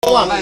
ะว่า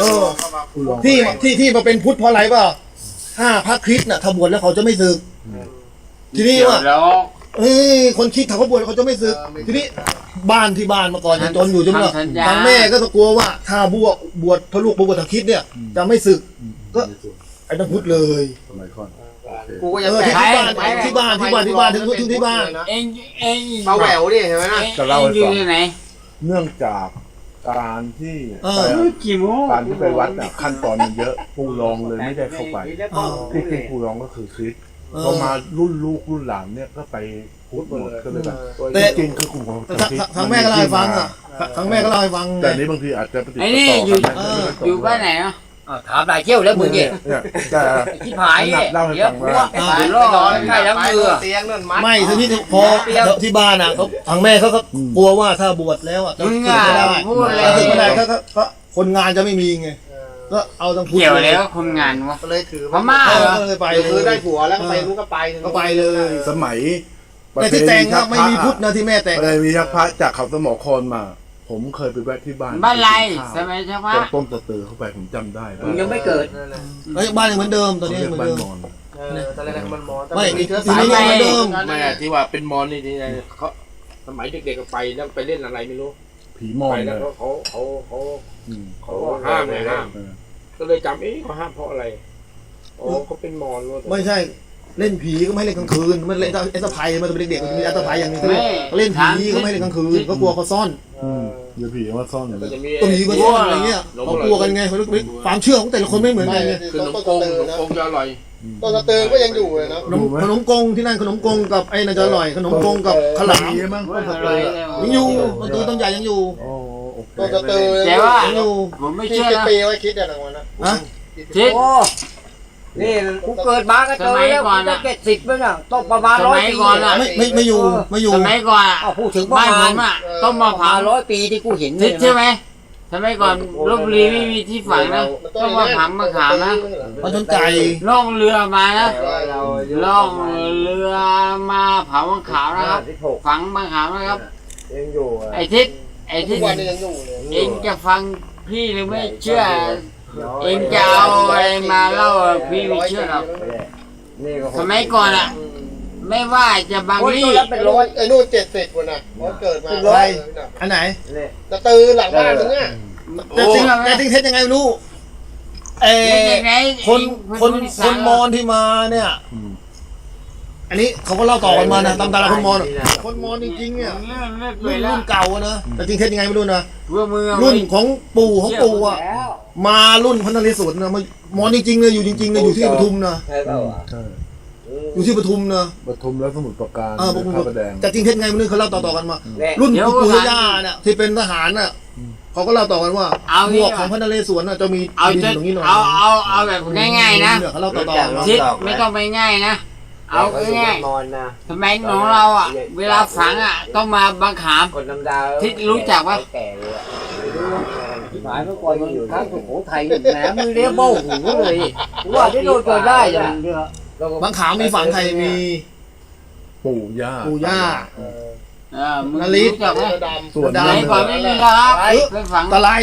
ที่มาเป็นพุทธเพราะอะไรป่ะถ้าพระคริสต์น่ะถ้าบวชแล้วเขาจะไม่สึกทีนี้ว่าคนคิดเขาบวชเขาจะไม่สึกทีนี้บ้านที่บ้านมาก่อนจนอยู่จนเนี่ยทางแม่ก็กลัวว่าถ้าบวชพระลูกบวชทางคริสต์เนี่ยจะไม่สึกก็ไอ้ต้องพุทธเลยสมัยก่อนกูก็ยังที่บ้านถึงที่บ้านเองมาแหววดิเห็นไหมนะจะเล่าให้ฟังไหนเนื่องจากการที่การที่ไปวัดขั้นตอนมันเยอะผู้รองเลยไม่ได้เข้าไปที่จริงผู้รองก็คือคริสต์พอมารุ่นลูกรุ่นหลานเนี่ยก็ไปพุทธหมดก็เลยแบบจริงคือกลุ่มของทางแม่ก็เล่าให้ฟังทางแม่ก็เล่าให้ฟังแต่นี้บางทีอาจจะปฏิบัติต่ออยู่บ้านไหนเนาะถามหลายเที่ยวแล้วมึงเนี่ยที่ผายเนี่ยเยอะพวกนอนใกล้แล้วมือเตียงนั่นมัดไม่ทีนี้พอที่บ้านเขาทางแม่เขาก็กลัวว่าถ้าบวชแล้วจะสึกไม่ได้ไม่ได้ก็คนงานจะไม่มีไงก็เอาทั้งพุทธเกี่ยวแล้วคนงานวะก็เลยถือพม่าเลยไปคือได้ผัวแล้วก็ไปนู้นก็ไปเลยสมัยแต่ที่แต่งก็ไม่มีพุทธนะที่แม่แต่งเลยมีพระจากเขาสมอครมาผมเคยไปแวะที่บ้านไรใช่ไหมใช่ไหมต้มตะเตือเข้าไปผมจำได้มึงยังไม่เกิดแล้วบ้านยังเหมือนเดิมตอนนี้เหมือนเดิมตอนแรกมันมอนไม่มีเชื้อสายเหมือนเดิมไม่ที่ว่าเป็นมอนนี่เขาสมัยเด็กๆก็ไปแล้วไปเล่นอะไรไม่รู้ผีมอนแล้วเขาห้ามเลยห้ามก็เลยจำเขาห้ามเพราะอะไรเขาเป็นมอนไม่ใช่เล่นผีก็ไม่เล่นกลางคืนมันเล่นเอสไพมันเป็นเด็กๆมีเอสไพอย่างนี้เล่นผีก็ไม่เล่นกลางคืนก็กลัวเขาซ่อนเดี๋ยวผีว่าซ่อนตัวผีก็ซ่อนอะไรเงี้ยเขากลัวกันไงเขาความเชื่อของแต่ละคนไม่เหมือนกันไงขนมกงจะอร่อยต้นตะเตือก็ยังอยู่เลยนะขนมกงที่นั่นขนมกงกับไอ้น่าจะอร่อยขนมกงกับขลามยังอยู่ต้นตะเตือต้นใหญ่ยังอยู่ต้นตะเตือแต่ว่าผมไม่เชื่อนะปีไว้คิดอย่างนั้นนะคิดนี่กูเกิดมาก็เจอแล้วจะ70มั้งอ่ะต้องประมาณ100 ปีก่อนอ่ะไม่อยู่สมัยก่อนอ่ะพูดถึงบ้านผมอ่ะต้องมาผ่า 100 ปีที่กูเห็นใช่ไหมสมัยก่อนลพบุรีไม่มีที่ฝังนะต้องมาผำมาขามนะมาชนไก่ล่องเรือมานะล่องเรือมาเผามะขามนะครับฝังมะขามนะครับไอ้ทิศเองจะฟังพี่หรือไม่เชื่อเองจะเอาอะไรมาเล่าพี่ไม่เชื่อหรอกสมัยก่อนอ่ะไม่ว่าจะบางที่ไอ้นู่น70คนน่ะเกิดมาอันไหนตะตือหลังบ้านมึงเนี่ยแต่จริงเท็จยังไงไม่รู้คนมอญที่มาเนี่ยอันนี้เขาก็เล่าต่อกันมานะตามตาคนมอญจริงๆเนี่ยรุ่นเก่านะแต่จริงเท็จยังไงไม่รู้นะรุ่นของปู่อ่ะมารุ่นพระนเรศวรนะมอญจริงๆเลยอยู่จริงๆเลยอยู่ที่ปทุมนะอยู่ที่ปทุมนะปทุมแล้วสมุทรปราการพระประแดงแต่จริงเท็จไงไม่รู้เขาเล่าต่อกันมารุ่นปู่ย่าเนี่ยที่เป็นทหารน่ะเขาก็เล่าต่อกันว่าหมวกของพระนเรศวรน่ะจะมีดินตรงนี้หน่อยเอาแบบง่ายๆนะเขาเล่าต่อทิศไม่ต้องไปง่ายนะเอาง่ายๆสมัยของเราอ่ะเวลาฝังอ่ะต้องมาบังขามทิศรู้จักปะหมายเมื่อก่อนมันอยู่ทั้งสุโขทัยแหมมือเลี้ยโบ้หูเลยว่าที่โดนเกิดได้อย่างเดียวบางขาวมีฝั่งไทยมีปู่ย่านาลิศส่วนไหนก่อนไม่มีครับไปฝังตะไล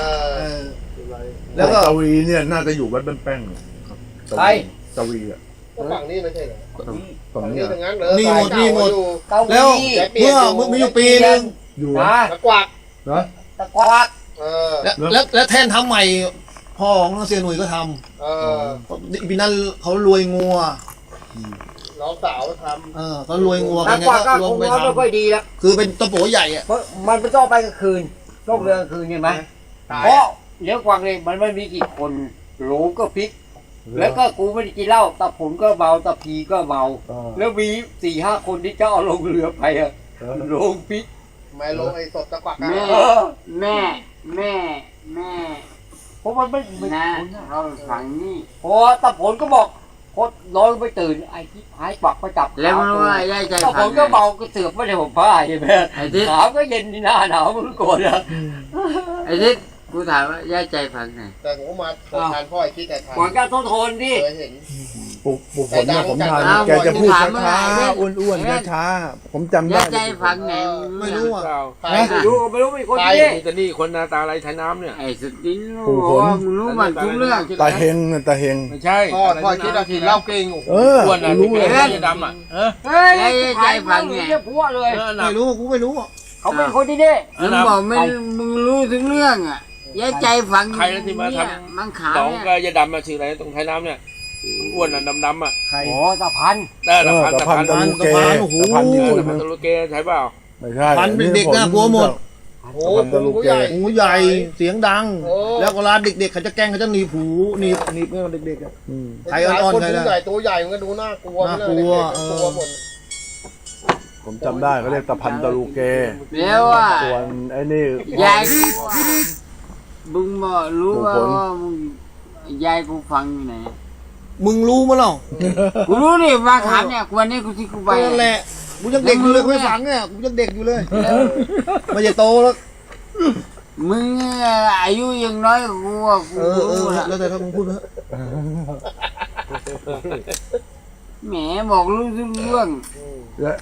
แล้วก็ตะวีเนี่ยน่าจะอยู่วัดบ้านแป้งใครตะวีอ่ะฝั่งนี้ไม่ใช่เหรอฝั่งนี้นี่หมดแล้วเมื่อมีอยู่ปีนึงอยู่ตะกวักนะตะกวักแล้วแทนทำใหม่พ่อของเสียหนุ่ยก็ทำปีนั้นเขารวยงัวน้องสาวทำเขารวยงัวกันก็รวมไปทำไม่ค่อยดีแล้วคือเป็นตะโปใหญ่อ่ะมันไม่ต้องไปกลางคืนต้องเรือกลางคืนใช่ไหมเพราะเลี้ยงกวางเลยมันไม่มีกี่คนโหลก็พลิกแล้วก็กูไม่ได้กินเหล้าตะผลก็เมาตะพีก็เมาแล้วมี4-5 คนที่เจ้าเอาลงเรือไปอะลงพลิกไม่ลงไอ้ศพตะกวักแม่เพราะมันไม่นะเราฝังนี่พอตะผลก็บอกพอน้อยไปตื่นไอ้ที่หายปักไปจับแล้วมันว่าย่าใจตะผลก็เมาก็เสือกไม่ได้ผมผ้าใช่ไหมขาวก็เย็นที่หน้าหนาวมันโกรธอะไอ้ที่กูถามว่าย่าใจฝังไงแต่ผมมาทานพ่อไอ้คิดแต่ทานก่อนการทนดิเคยเห็นปลูกผลเนี่ยผมทานแกจะพูดช้าๆอ้วนๆช้าๆผมจำยาได้ใจฝังไหนไม่รู้อ่ะไม่รู้มีคนที่นี่นี่จะนี่คนหน้าตาอะไรใช้น้ำเนี่ยไอ้สตินรู้ว่ามึงรู้มันทุกเรื่องตาเฮงตาเฮงไม่ใช่พ่อคิดว่ากินเหล้าเก่งโอ้โหเอออ้วนนะรู้ที่เลยเป็นดำอ่ะเฮ้ยใครฟังเนี่ยพัวเลยไม่รู้กูไม่รู้อ่ะเขาเป็นคนที่นี่มึงบอกไม่มึงรู้ถึงเรื่องอ่ะยาใจฝังใครนะที่มาทมังขาวำสองเนี่ยก็ยาดำมาชื่ออะไรตรงไทยน้ำเนี่ยอ้วนอ่ะดำๆอ่ะโอ้ตาพันได้เออตะพันตะลูเกตะพันอีกคนนึงตะลุเกใช่เปล่าไม่ใช่พันเป็นเด็กน่ากลัวหมดโอ้โหผู้ใหญ่หูใหญ่เสียงดังโอ้แล้วเวลาเด็กๆเขาจะแกล้งเขาจะหนีบหูหนีบเมื่อเด็กๆอ่ะอืมใครอ่อนๆใครผู้ล่ะใหญ่ตัวใหญ่มันก็ดูน่ากลัวน่ากลัวกลัวหมดผมจำได้เขาเรียกตะพันตะลูเกแล้วว่าส่วนไอ้นี่ยายกูว่ามึงบอกรู้ว่ามึงยายกูฟังอยู่ไหนมึงรู้มั้ยเล่ากูรู้ดิมาถามเนี่ยวันนี้กูที่กูไปนั่นแหละกูยังเด็กอยู่เลยไม่ฟังเนี่ยกูยังเด็กอยู่เลยไม่ใช่โตแล้วมึงอายุยังน้อยกว่ากูอ่ะกูเออรู้ละแล้วแต่ถ้ามึงพูดเถอะแหมบอกรู้ทุกเรื่องและ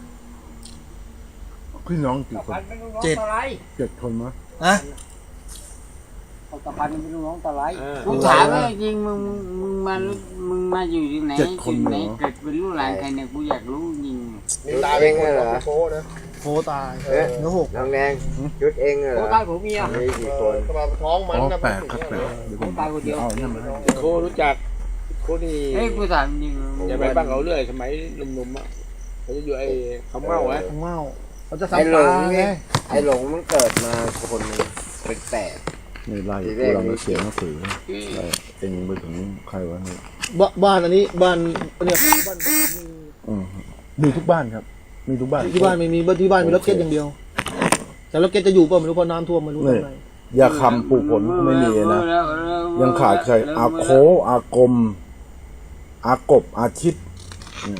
พี่น้องกี่คน 7 คนมั้ยฮะตาพันเป็นลูกน้องตาไหลกูถามว่าจริงมึงมาอยู่ที่ไหนจุดไหนเกิดเป็นลูกหลานใครเนี่ยกูอยากรู้จริงนี่ตาเป็นคนเหรอโค้นะโคตายเนื้อหกน้องแดงชุดเองเหรโอ้อตายผมเมียมีกี่คนมาท้องมันอ๋อนะ 8ครับ8เดี๋ยวผมตายคนเดียวเอาเนี่ยมาให้โครู้จักโคนี่เฮ้ยกูถามจริงอย่าไปบ้างเขาเรื่อยสมัยหนุ่มๆอ่ะเขาจะอยู่ไอ้เขาเมาอ่ะของเมาเขาจะไอ้ซ้ำหลตาง ไงนี่ไอ้หลงมันเกิดมาคนนึงเป็นแปดนี่ไล่กูเราเขียนหนังสือไล่เองไปถึงใครวะเนี่ยบ้านอันนี้บ้านเนี่ยบ้านมีทุกบ้านครับ มีทุกบ้านที่บ้านไม่มีที่บ้านมีรถเก็ตอย่างเดียว แต่รถเก็ตจะอยู่เปล่าไม่รู้เพราะน้ำท่วมไม่รู้ทำไงยาคำปลูกผลไม่มีนะยังขาดใครอาโคอากมอากบอาชิตเนี่ย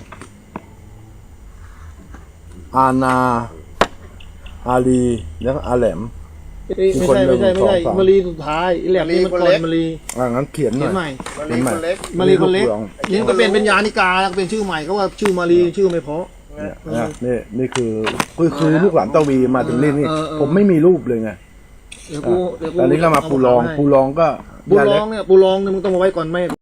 อาณาอาลีแล้วก็อาแหลมไม่ใช่มารีสุดท้ายอีแหลมนี่มันก่อนมารีงั้นเขียนหเขีน่ยอน ยใหม่คนเล็กมารีคนเล็กลูกนี่ก็เป็นยานิกาแล้วเป็นชื่อใหม่ก็ว่าชื่อมารีชื่อไม่เพราะเนี่ยนี่คือลูกหลานตะวีมาถึงนี่ ผมไม่มีรูปเลยไงเดี๋ยวกูอันนี้ก็มาปูรองก็ปูรองเนี่ยมึงต้องมาไว้ก่อนแม่